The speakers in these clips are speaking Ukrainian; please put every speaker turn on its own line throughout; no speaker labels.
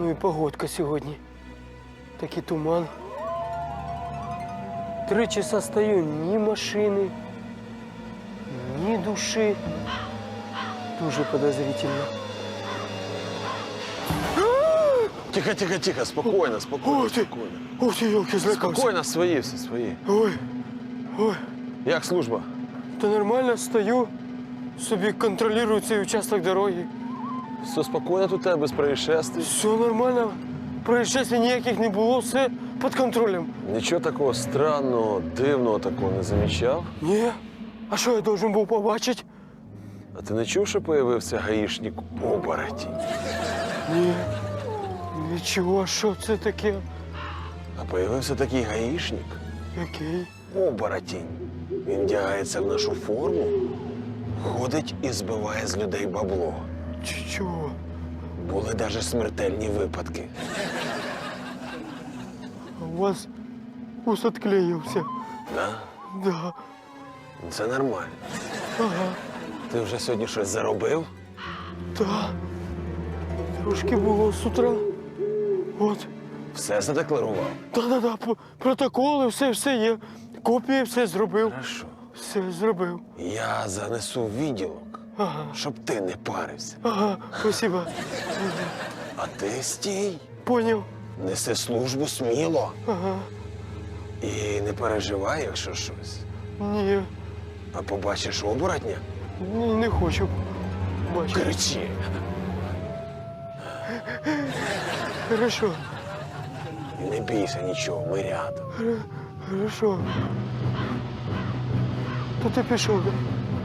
Ну і погодка сьогодні. Такий туман. 3 часа стою, ні машини, ні душі. Дуже подозрительно.
Тихо, тихо, тихо, спокойно, спокойно,
Ох ти,
спокойно.
ох ти, ёлки, злякався.
Спокойно, свої все, свої.
Ой, ой,
Як служба?
та нормально стою, собі контролюю цей участок дороги.
Все спокійно тут у тебе, без происшествий?
Все нормально, происшествий ніяких не було, все під контролем.
Нічого такого странного, дивного такого не замічав?
Ні, а що я должен був побачити?
А ти не чув, що появився гаїшник оборотень?
Ні, нічого, що це таке?
А появився такий гаїшник,
Який?
оборотень. Він вдягається в нашу форму, ходить і збиває з людей бабло.
Чого?
Були навіть смертельні випадки.
У вас ус отклеївся.
Да?
Да.
Це нормально.
Ага.
Ти вже сьогодні щось заробив?
Да. Трошки було з утра. От.
Все задекларував?
Да-да-да, протоколи, все є. Копії все зробив.
Хорошо.
Все зробив.
Я занесу в відділок,
Ага.
щоб ти не парився.
Ага, спасибо.
А ти стій,
Поняв.
неси службу сміло.
Ага.
І не переживай, якщо щось.
Ні,
А побачиш оборотня,
не хочу бачити.
кричи.
Хорошо,
І не бійся нічого, ми рядом.
хорошо. То ти пішов, да?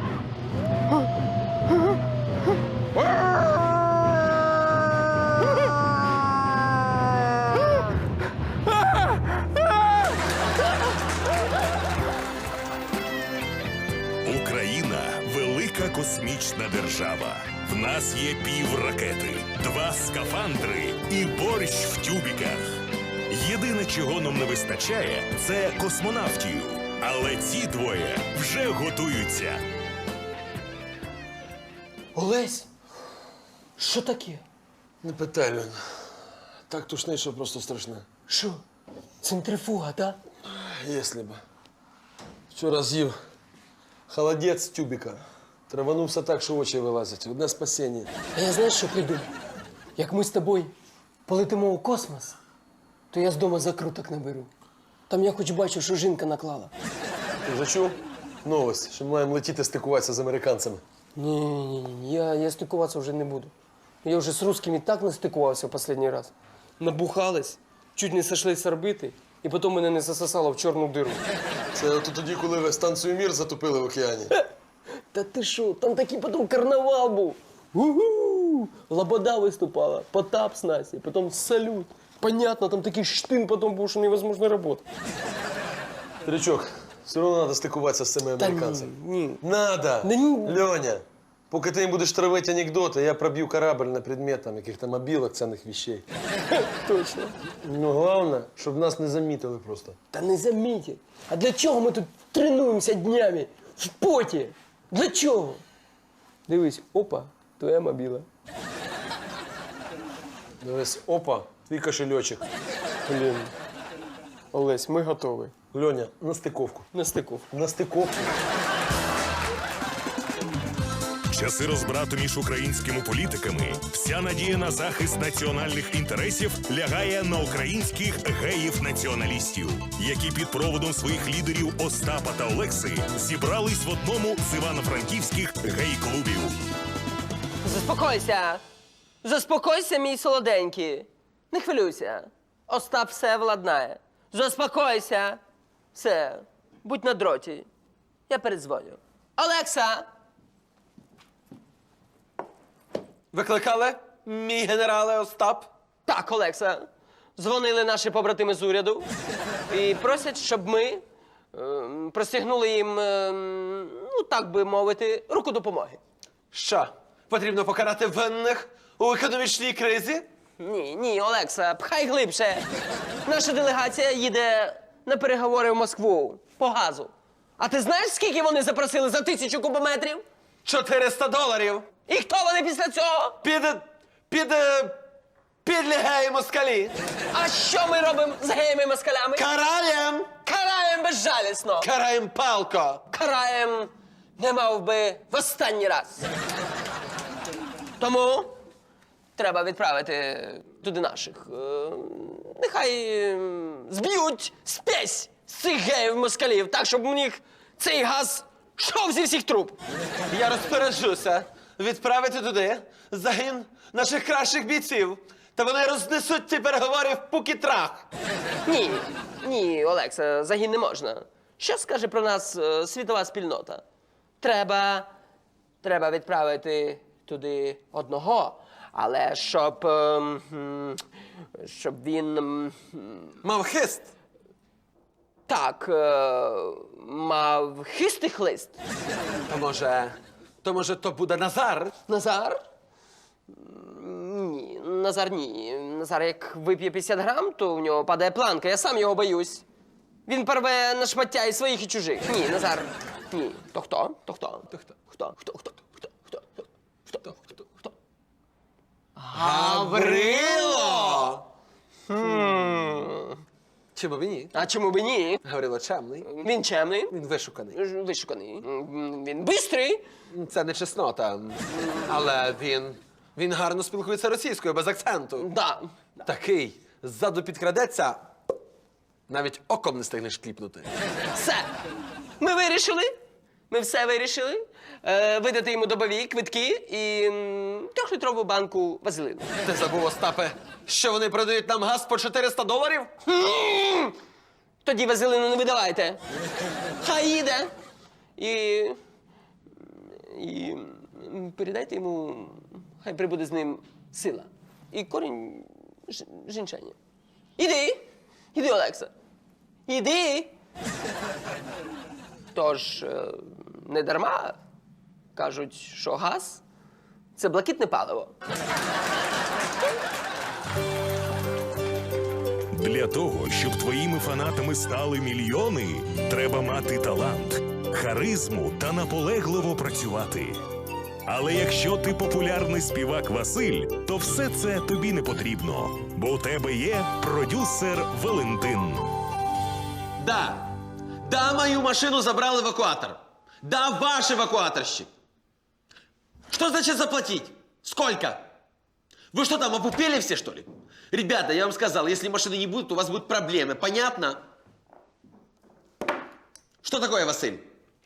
Україна – велика космічна держава. В нас є півракети, 2 скафандри і борщ в тюбіках. Єдине, чого нам не вистачає – це космонавтів. Але ці двоє вже готуються.
Олесь, що таке?
Не питай, Льон. Так тушнить, що просто страшне.
Що? Центрифуга, так?
Якщо б. Вчора з'їв холодець з тюбіка. Траванувся так, що очі вилазять. Одне спасіння.
А я знаєш, що придумав? Як ми з тобою полетимо у космос, то я з дому закруток наберу. Там я хоч бачу, що жінка наклала.
Ти вже чув? Новость, що ми маємо летіти стикуватися з американцями.
Ні, я стикуватися вже не буду. Я вже з русскими так настикувався в останній раз. Набухались, чуть не сошли з орбити, і потім мене не засосало в чорну диру.
Це от тоді, коли ви станцію «Мір» затопили в океані.
Та ти що, там такий потім карнавал був. Гу-гу! Лобода виступала, Потап з Насі, потім салют. Понятно, там такий штин потім був, що невозможно працювати.
Тричок, все одно треба стикуватися з цими
Та
американцями.
ні.
Надо!
Да ні.
Льоня, поки ти їм будеш травити анекдоти, я проб'ю корабль на предмет там, яких-то мобілок, цінних вещей.
Точно.
Ну, головне, щоб нас не замітили просто.
Та не замітять. А для чого ми тут тренуємося днями? В поті. Для чого? Дивись, опа, твоя мобіла.
Дивись, опа, твій кошельочок.
Блін. Олесь, ми готові.
Льоня, на стиковку.
На стику.
На стиковку.
Часи розбрату між українськими політиками, вся надія на захист національних інтересів лягає на українських геїв-націоналістів, які під проводом своїх лідерів Остапа та Олекси зібрались в одному з івано-франківських гей-клубів.
Заспокойся. Заспокойся, мій солоденький. Не хвилюйся. Остап все владнає. Заспокойся. Все. Будь на дроті. Я передзвоню. Олекса!
Викликали, мій генерале Остап?
Так, Олекса. Дзвонили наші побратими з уряду і просять, щоб ми простягнули їм, ну так би мовити, руку допомоги.
Що, потрібно покарати винних у економічній кризі?
Ні, Олекса, пхай глибше. Наша делегація їде на переговори в Москву по газу. А ти знаєш, скільки вони запросили за 1000 кубометрів?
$400.
І хто вони після цього?
Під Підлі геї москалі!
А що ми робимо з геями-москалями?
Караєм!
Караєм безжалісно!
Караєм палко!
Караєм не мав би в останній раз. Тому треба відправити туди наших. Нехай зб'ють спесь з цих геїв-москалів, так, щоб у них цей газ йшов зі всіх труб.
Я розпоряджуся відправити туди загін наших кращих бійців. Та вони рознесуть ці переговори в пук і трах.
Ні, Олекса, загін не можна. Що скаже про нас світова спільнота? Треба відправити туди одного, але щоб він
Мав хист.
так мав хистий хлист.
То може то буде Назар?
Назар? Ні, Назар ні. Назар, як вип'є 50 грам, то в нього падає планка. Я сам його боюсь. Він порве на шмаття і своїх, і чужих. Ні, Назар. Ні. То хто? Хто?
Гаврило! Чому б і ні?
А чому б і ні?
Гаврило чемний.
Він чемний,
Він вишуканий.
вишуканий. Він бистрий.
Це не чеснота. Але він гарно спілкується російською, без акценту.
Да.
Такий ззаду підкрадеться, навіть оком не стигнеш кліпнути.
Все. Ми вирішили. Ми все вирішили. Видати йому добові квитки і 3-літрову банку вазелину.
Ти забув, Остапе, що вони продають нам газ по $400?
Тоді вазелину не видавайте. Хай їде. І передайте йому, хай прибуде з ним сила. І корінь жінчання. Іди, Олекса. Іди. Тож, не дарма кажуть, що газ – це блакитне паливо.
Для того, щоб твоїми фанатами стали мільйони, треба мати талант, харизму та наполегливо працювати. Але якщо ти популярний співак Василь, то все це тобі не потрібно, бо у тебе є продюсер Валентин.
Да, мою машину забрал эвакуатор. Да, ваш эвакуаторщик. Что значит заплатить? Сколько? Вы что там, опупели все, что ли? Ребята, я вам сказал, если машины не будет, у вас будут проблемы. Понятно? Что такое, Василь?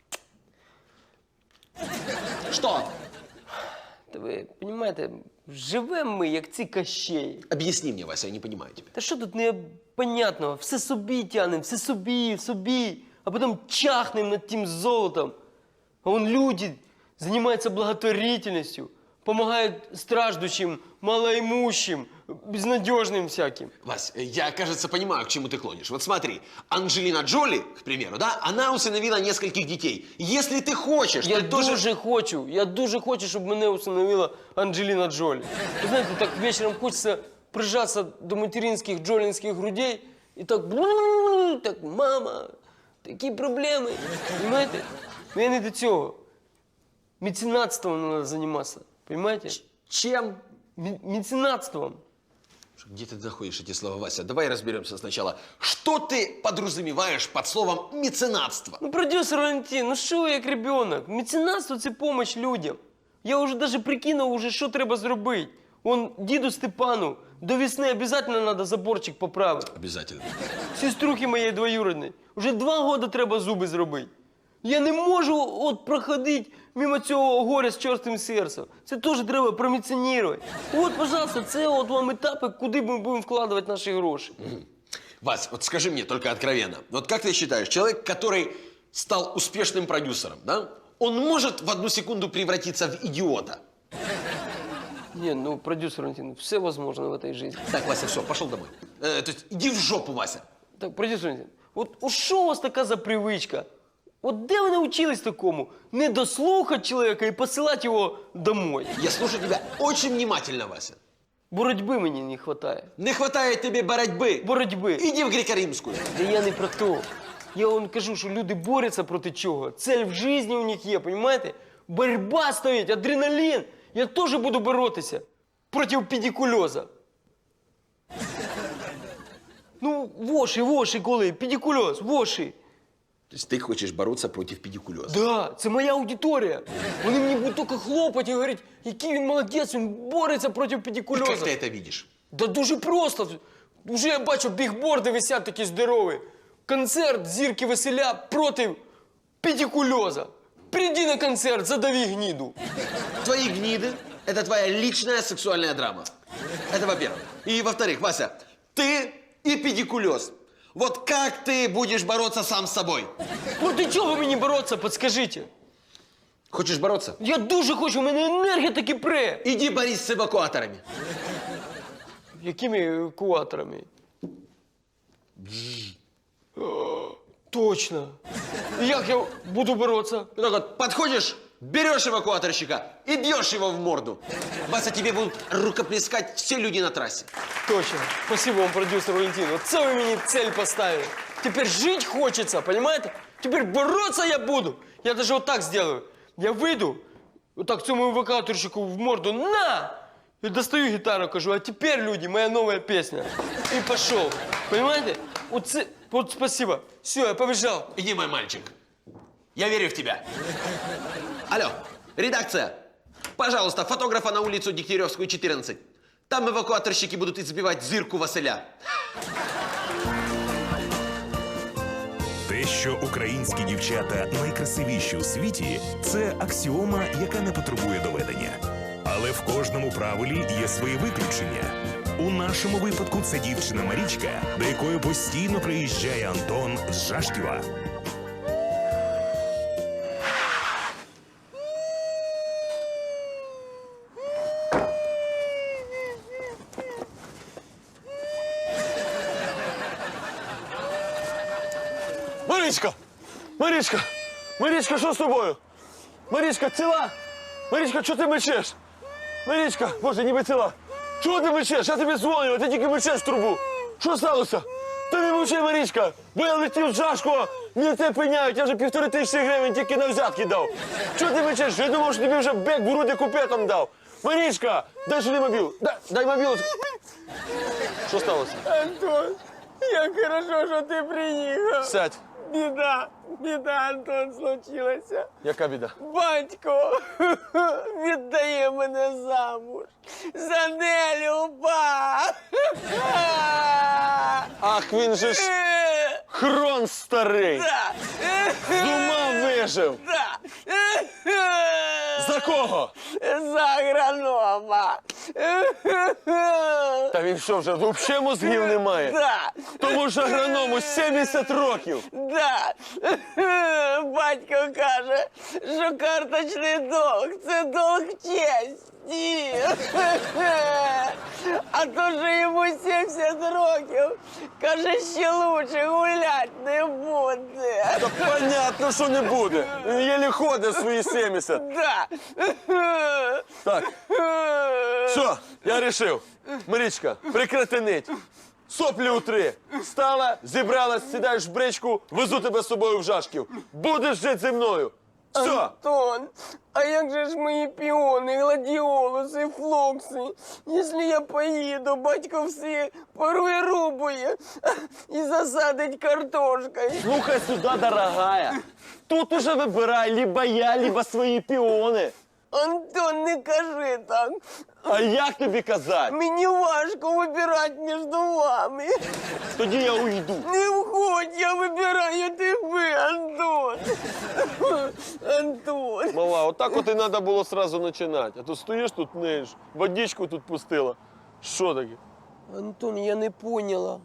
Что?
Та ви розумієте, живемо ми, як ці кащеї.
Объясни мне, Вася, я не понимаю тебя.
Та що тут непонятного? Все собі тянем, все собі, а потім чахнем над тим золотом. А вон люди займаються благотворительністю, допомагають страждущим, малоимущим, безнадежным всяким.
Вась, я, кажется, понимаю, к чему ты клонишь. Вот смотри, Анджелина Джоли, к примеру, да, она усыновила нескольких детей. Если ты хочешь,
Я
ты тоже...
дуже хочу, щоб мене усиновила Анджеліна Джолі. Ви знаєте, так вечором хочеться прижатися до материнських джолінських грудей і так, так, мама, такі проблеми. Понимаете? Ну я не до цього. Меценатством треба займатися. Понимаете?
Чем?
Меценатством.
Где ты находишь эти слова, Вася? Давай разберемся сначала. Что ты подразумеваешь под словом меценатство?
Ну, продюсер Валентин, ну що ви як ребенок? Меценатство – це помощь людям. Я вже даже прикинув, що треба зробити. Он діду Степану до весни обязательно треба заборчик поправити.
Обязательно.
Сеструхи моєї двоюродної. Уже 2 роки треба зуби зробити. Я не можу от проходити мимо цього горя з чорстим серцем. Це теж треба проміціонувати. От, пожалуйста, це от вам етапи, куди ми будемо вкладувати наші гроші.
Вась, вот скажи мне только откровенно. Вот как ты считаешь, человек, который стал успешным продюсером, да, он может в 1 секунду превратиться в идиота?
Ні, ну, продюсер Валентин, все возможно в этой жизни.
Так, Вася, все, пошел домой. То есть иди в жопу, Вася.
Так, продюсер Валентин, от що у вас така за привичка? От де ви навчились такому? Не дослухати чоловіка і посилати його домой.
Я слушаю тебя очень внимательно, Вася.
Боротьби мені не вистачає.
Не хватает тебе боротьбы.
Боротьби.
Иди в греко-римскую.
Та я не про то. Я вам кажу, що люди борються проти чого. Цель в житті у них є, розумієте? Боротьба стоїть, адреналін. Я теж буду боротися проти педикульоза. Ну, воші, коли, педикульоз, воші.
То есть ты хочешь бороться против педикулеза?
Да, це моя аудиторія. Вони мені будуть тільки хлопати і говорити, який він молодець, він бореться проти
И как
педикульоза.
ты это видишь?
Да дуже просто. Уже я бачу, бігборди висять такі здорові. Концерт зірки веселя проти педикульоза. Приди на концерт, задави гніду.
Твои гниды – это твоя личная сексуальная драма. Это во-первых. И во-вторых, Вася, ты и педикулез. Вот как ты будешь бороться сам с собой?
Ну ти чого мені боротися, подскажіть?
Хочешь бороться?
Я дуже хочу, у мене енергія таки пре.
Иди борись с эвакуаторами.
Якими евакуаторами? О, точно. І як я буду боротися?
Вот так вот подходишь, берешь эвакуаторщика и бьешь его в морду. Вася, тебе будут рукоплескать все люди на трассе.
Точно. Спасибо вам, продюсер Валентин. Вот це ви мені цель поставили. Теперь жить хочется, понимаете? Теперь бороться я буду. Я даже вот так сделаю. Я выйду, вот так цьому евакуаторщику в морду на! И достаю гитару, кажу, а теперь, люди, моя новая песня. И пошел. Понимаете? Вот спасибо. Все, я побежал.
Иди, мой мальчик. Я верю в тебя. Алло, редакция. Пожалуйста, фотографа на улицу Дегтяревскую, 14. Там эвакуаторщики будут избивать Зирку Василя.
Те, що українські дівчата найкрасивіші у світі, це аксіома, яка не потребує доведення. Але в кожному правилі є свої виключення. У нашому випадку це дівчина Марічка, до якої постійно приїжджає Антон з Жашківа.
Марічка! Марічка! Марічка, що з тобою? Марічка, ціла? Марічка, чого ти мечеш? Марічка, боже, ніби ціла. Чого ти мечеш? Я тобі дзвоню, а ти тільки мечеш в трубу. Що сталося? Та не мовчи, Марічка, бо я летів з Жашкова, мені це пеняють, я вже 1500 гривень тільки на взятки дав. Чого ти мечеш? Я думав, що тобі вже бек в груди купетом дав. Марічка, дай сюди мобіл. Дай мобіл. Що сталося?
Антон, як хорошо, що ти приїхав.
Сядь.
Біда, Антон, случилася.
Яка біда?
Батько віддає мене замуж. За Нелю ба.
Ах, він же ж хрон старий. З ума вижив. За кого?
За агронома.
Та він що, вже взагалі мозгів немає?
Да.
Тому що агроному 70 років.
Да. Батько каже, що карточний долг – це долг честі. А то, що йому 70 років, каже, ще лучше гулять не буде.
Та понятно, що не буде. Він єлі ходить свої 70.
Да.
Так, все, я рішив. Марічка, прекрати нить. Соплі утри. Встала, зібралась, сідаєш в бричку, везу тебе з собою в Жашків. Будеш жити зі мною. Все.
Антон, а як же ж мої піони, гладіолуси, флокси? Якщо я поїду, батько все порує рубує і засадить картошкою.
Слухай сюди, дорогая. Тут уже вибирай либо я, либо свої піони.
Антон, не кажи так.
А як тобі казати?
Мені важко вибирати між вами.
Тоді я уйду.
Не входь, я вибираю тебе, Антон. Антон.
Мала, отак от і треба було сразу починати. А то стоїш тут, ниєш, водичку тут пустила. Що таке?
Антон, я не поняла.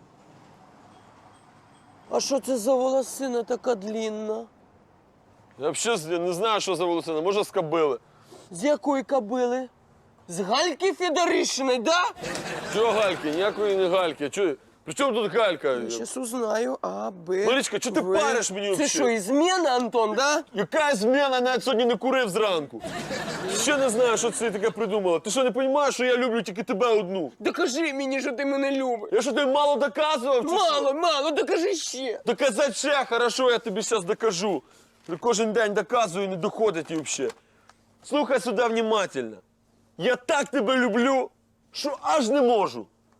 А що це за волосина така длінна?
Я взагалі не знаю, що за волосина. Може, з кобили.
З якої кобили?
З Гальки Федоришиної, да?
Чого гальки? Ніякої не гальки. Чого? При чому тут галька?
Щас узнаю. А, Б.
Марічка, чого ти
В.
париш мені
Це
взагалі?
що, ізмена, Антон, да?
Яка зміна? Навіть сьогодні не курив зранку. Ще не знаю, що це таке придумала. Ти що, не розумієш, що я люблю тільки тебе одну?
Докажи мені, що ти мене любиш.
Я що, тобі мало доказував? чи що?
Мало, докажи ще.
Доказати ще, хорошо, я тобі зараз докажу. Кожен день доказую, не доходить і взагалі. Слухай сюди внимательно. Я так тебе люблю, що аж не можу.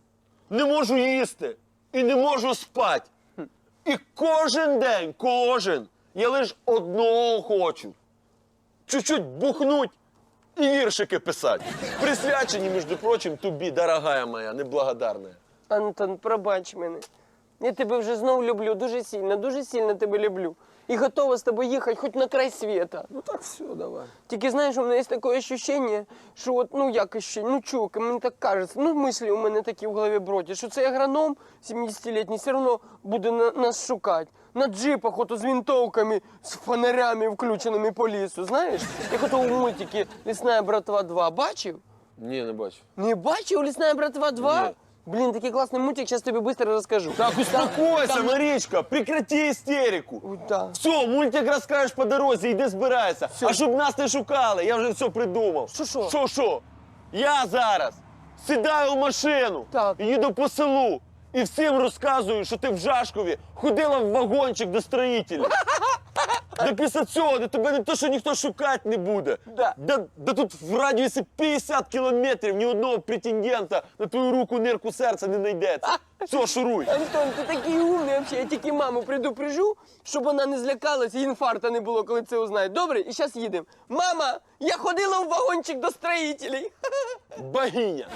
не можу їсти і не можу спати. І кожен день, я лише одного хочу. Чуть-чуть бухнуть і віршики писати. Присвячені, між прочим, тобі, дорогая моя, неблагодарна.
Антон, пробач мене. Я тебе вже знов люблю, дуже сильно тебе люблю. І готова з тобою їхати хоч на край світа.
Ну так все, давай.
Тільки знаєш, у мене є таке відчуття, що от, ну як ощущення, ну чука, мені так кажеться, ну мислі у мене такі в голові бродять, що цей агроном 70-літній все одно буде нас шукати. На джипах ото з винтовками, з фонарями включеними по лісу, знаєш? Як ото у мультики «Лісна братва 2» бачив?
Ні, не бачу.
Не бачив «Лісна братва 2»?
Ні.
Блін, такий класний мультик, зараз тобі швидко розкажу.
Так, успокойся, Марічка, прекрати істерику.
Ой, да.
Все, мультик розкажеш по дорозі, йди збирайся. А щоб нас не шукали, я вже все придумав.
Що?
Що? Я зараз сідаю в машину,
Так.
їду по селу і всім розказую, що ти в Жашкові ходила в вагончик до строїтелів. Да після цього де тебе не то, що ніхто шукати не буде. Да тут в радіусі 50 кілометрів ні одного претендента на твою руку, нирку, серця не знайдеться. Все, шуруй.
Антон, ти такий умний взагалі. Я тільки маму предупрежу, щоб вона не злякалась і інфаркта не було, коли це узнає. Добре? І зараз їдемо. Мама, я ходила в вагончик до строїтелів.
Богиня.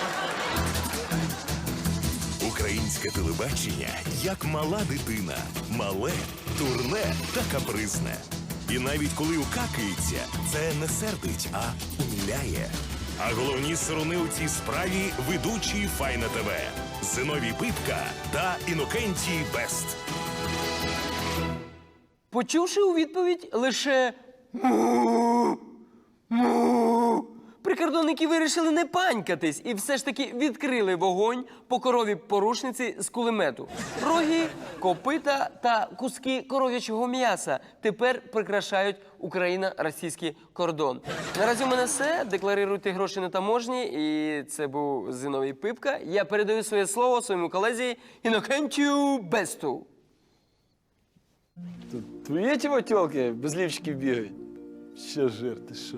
Українське телебачення як мала дитина. Мале, дурне та капризне. І навіть коли укакається, це не сердить, а умиляє. А головні сирони у цій справі – ведучі Файна ТВ. Зиновій Пипка та Інокентій Бест.
Почувши у відповідь лише «му», прикордонники вирішили не панькатись і все ж таки відкрили вогонь по корові порушниці з кулемету. Роги, копита та куски коров'ячого м'яса тепер прикрашають Україно-російський кордон. Наразі у мене все. Декларуйте гроші на таможні. І це був Зиновій Пипка. Я передаю своє слово своєму колезі Інокентію Бесту.
Твої ті тілки без лівчиків бігають? Що жир, ти що?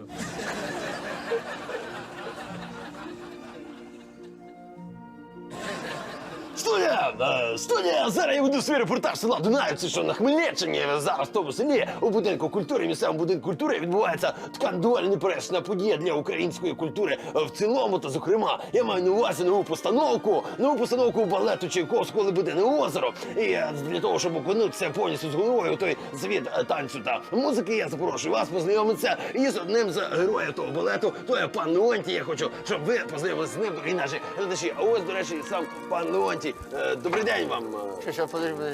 Студія! Зараз я веду свій репортаж села Дунаївці, що на Хмельниччині. Зараз в тому селі у будинку культури, місцевому будинку культури відбувається така доволі непересна подія для української культури в цілому. Та, зокрема, я маю на увазі нову постановку балету Чайковського «Лебедине озеро». І для того, щоб окунутися повністю з головою у той світ танцю та музики, я запрошую вас познайомитися із одним з героїв того балету. То є пан Леонтій. Я хочу, щоб ви познайомилися з ним, і наші глядачі. А ось, до речі, сам пан Леонтій. Добрий день вам.
Що, подожди.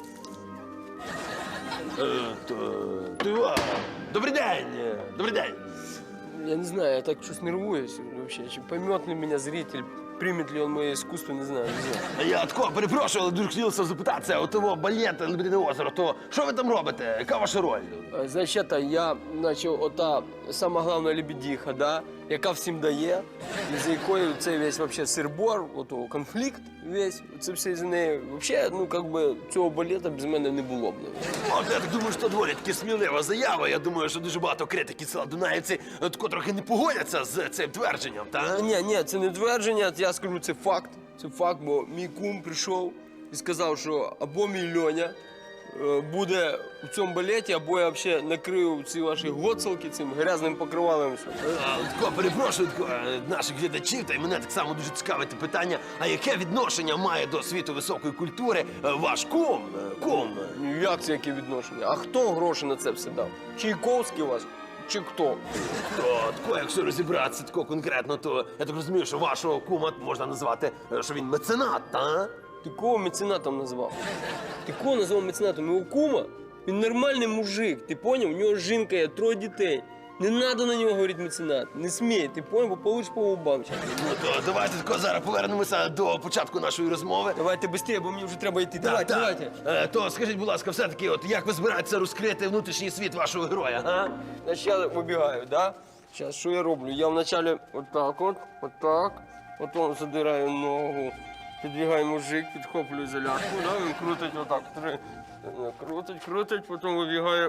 Добрий день. Добрий день.
Я не знаю, я так щось нервуюсь вообще. Чи поймет ли меня зритель, примет ли он моє искусство, не знаю.
Я тако перепрошую, але дуже хотілося запитатися, от того балет «Лебедине озеро», то що ви там робите? Яка ваша роль?
Значить, я, ота сама головна лебедиха, да, яка всім дає, і за якою цей весь вообще сир-бор, ото конфлікт весь, це все з нею. Вообще, ну, как би, цього балета без мене не було б.
От, я так думаю, що доволі таки смілива заява. Я думаю, що дуже багато критиків села Дунаївці тако трохи не погодяться з цим твердженням, так?
Ні, це не твердження, я скажу, це факт. Це факт, бо мій кум прийшов і сказав, що або мій Льоня буде у цьому балеті, або я взагалі накрию ці ваші гоцалки цим грязним покривалом.
Тако, перепрошую наших глядачів, та й мене так само дуже цікавить питання, а яке відношення має до світу високої культури ваш кум?
Ну як це яке відношення? А хто гроші на це все дав? Чайковський у вас? Чи хто?
Тако, якщо розібратися тако конкретно, то я так розумію, що вашого кума можна назвати, що він меценат, так?
Ти кого меценатом назвав? Ти кого назвав меценатом? Його кума? Він нормальний мужик, ти поняв? У нього жінка є, 3 дітей. Не треба на нього говорити меценат. Не смій, ти поняв, бо получиш по губам.
Ну то давайте тако зараз повернемося до початку нашої розмови.
Давайте швидше, бо мені вже треба йти. Давайте.
То скажіть, будь ласка, все-таки, от як ви збираєтеся розкрити внутрішній світ вашого героя, а?
Значить, я вибігаю, да? Зараз, що я роблю? Я вначале отак, потім задираю ногу, підбігає мужик, підхоплюю залядку, да? Він крутить отак, крутить, потім вибігає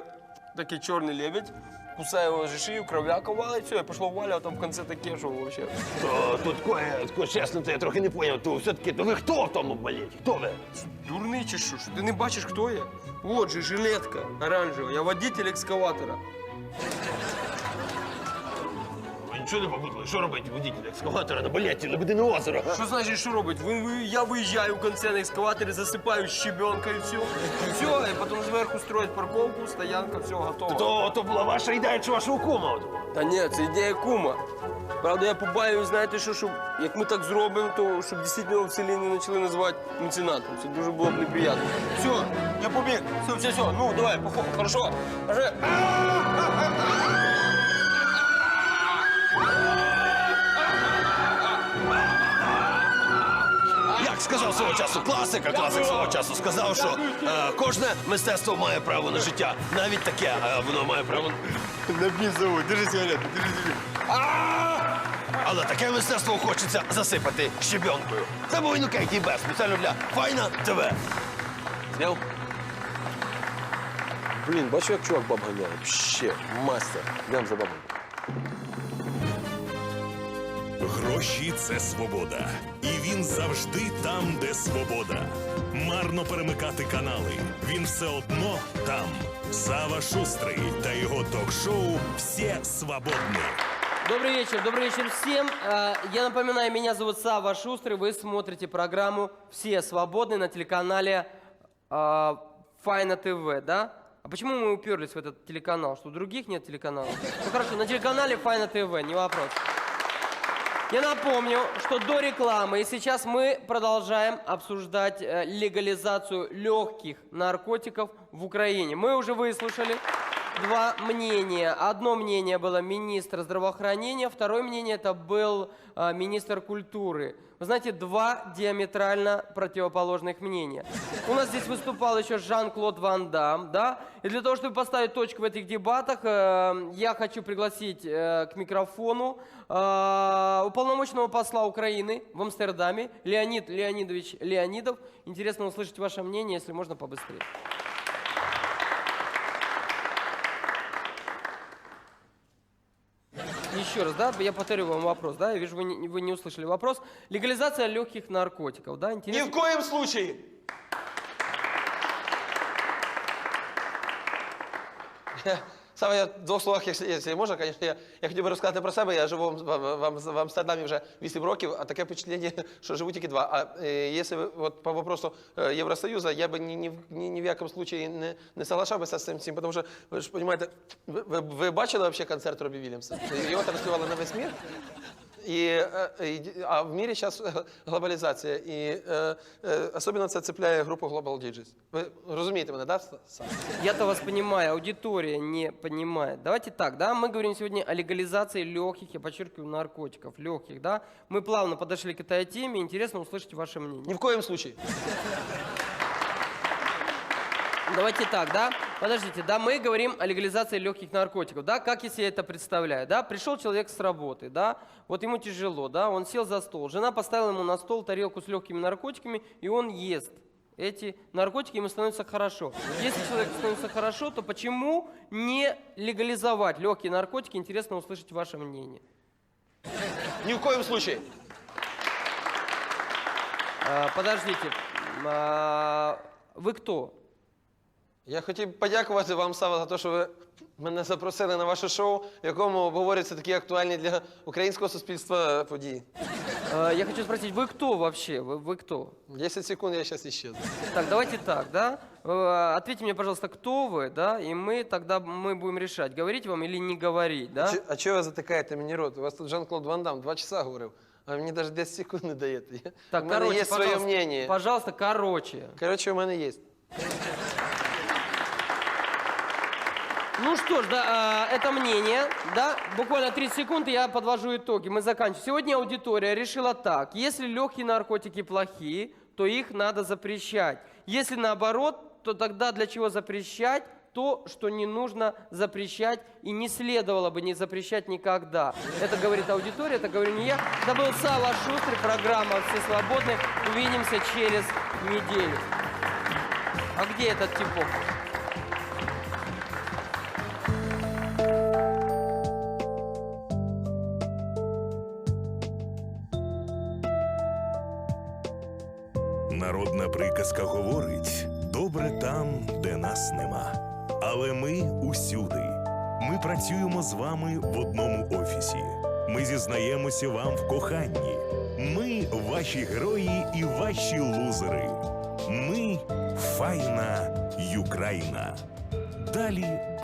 такий чорний лебедь, кусає його за шию, кров'яка валить, все, і пішло Валя, а там в кінці таке, що вообще.
Тут чесно, то я трохи не поняв. То все-таки, то ви хто в тому балеті? Хто ви?
Дурний чи що? Що ти не бачиш, хто я? Вот же жилетка оранжева, я водитель екскаватора.
Ви нічого не побудили? Що робить водитель екскаватора на балеті Лебедине озеро?
Що значить, що робить? Я виїжджаю в кінці на екскаваторі, засипаю щебенка і все. І все, і потім зверху строять парковку, стоянка, все, готово.
То була ваша ідея чи вашого кума?
Та ні, це ідея кума. Правда, я побаюсь, знаєте, що щоб, як ми так зробимо, то щоб дійсно його в селі не почали називати меценатом. Це дуже було б неприємно. Все, я побіг. Все, ну давай, походу, хорошо. Вже.
Як сказав свого часу класик свого часу сказав, що кожне мистецтво має право на життя. Навіть таке, воно має право
На бізову, держи сигарету, держи собі.
Але таке мистецтво хочеться засипати щебенкою. Це був Інокентій Бес, спеціально для Файна ТВ. Зняв?
Блін, бачу, як чувак баб ганяє. Ще, мастер. Йдем за бабою.
Гроші – це свобода. І він завжди там, де свобода. Марно перемикати канали. Він все одно там. Сава Шустрий та його ток-шоу «Все свободны».
Добрый вечер всем. Я напоминаю, меня зовут Сава Шустрый. Вы смотрите программу «Все свободны» на телеканале Файна ТВ, да? А почему мы уперлись в этот телеканал? Что у других нет телеканалов? Ну хорошо, на телеканале Файна ТВ, не вопрос. Я напомню, что до рекламы и сейчас мы продолжаем обсуждать легализацию легких наркотиков в Украине. Мы уже выслушали два мнения. Одно мнение было министра здравоохранения, второе мнение это был министр культуры. Вы знаете, два диаметрально противоположных мнения. У нас здесь выступал еще Жан-Клод Ван Дам, да? И для того, чтобы поставить точку в этих дебатах, я хочу пригласить к микрофону уполномоченного посла Украины в Амстердаме Леонид Леонидович Леонидов. Интересно услышать ваше мнение, если можно побыстрее. Еще раз, да, я повторю вам вопрос, да, я вижу, вы не услышали вопрос. Легализация легких наркотиков, да, интересно?
Ни в коем случае. Саме я в двох словах, якщо можна, звісно, я хотів би розказати про себе. Я живу в Амстердамі вже 8 років, а таке впечатлення, що живу тільки 2. А якщо от по вопросу Євросоюзу, я би ні в якому случаї не соглашався з цим, тому що, ви ж розумієте, ви бачили взагалі концерт Робі Вільямса? Його транслювали на весь світ. А в мире сейчас глобализация, и особенно это цепляет группу Global DJs. Вы разумеете меня, да?
Я-то вас понимаю, аудитория не понимает. Давайте так, да, мы говорим сегодня о легализации легких, я подчеркиваю, наркотиков, легких, да. Мы плавно подошли к этой теме, интересно услышать ваше мнение.
Ни в коем случае.
Давайте так, да? Подождите, да, мы говорим о легализации легких наркотиков, да? Как я себе это представляю, да? Пришел человек с работы, да? Вот ему тяжело, да? Он сел за стол, жена поставила ему на стол тарелку с легкими наркотиками, и он ест эти наркотики, ему становится хорошо. Если человеку становится хорошо, то почему не легализовать легкие наркотики? Интересно услышать ваше мнение.
Ни в коем случае.
Подождите, вы кто?
Я хотів подякувати вам, Сава, за те, що ви мене запросили на ваше шоу, в якому обговорюються такі актуальні для українського суспільства події.
Я хочу спросить, вы кто вообще? Вы кто?
10 секунд, я зараз исчезну.
Так, давайте так, да? Ответьте мне, пожалуйста, кто вы, да? И мы будем решать, говорить вам или не говорить, да?
А чого ви затикаєте мені рот? У вас тут Жан-Клод Ван Дам 2 часа говорив, а мені навіть 10 секунд не даєте.
Так,
у мене
короче,
є своє
пожалуйста,
мнение.
пожалуйста, короче.
Короче, у мене є.
Ну что ж, да, это мнение, да, буквально 30 секунд, и я подвожу итоги, мы заканчиваем. Сегодня аудитория решила так, если легкие наркотики плохие, то их надо запрещать. Если наоборот, то тогда для чего запрещать то, что не нужно запрещать и не следовало бы не запрещать никогда. Это говорит аудитория, это говорю не я. Это был Сава Шустрый, программа «Все свободны». Увидимся через неделю. А где этот типок?
Народна приказка говорить: добре там, де нас нема. Але ми усюди. Ми працюємо з вами в одному офісі. Ми зізнаємося вам в коханні. Ми ваші герої і ваші лузери. Ми файна Юкраїна. Далі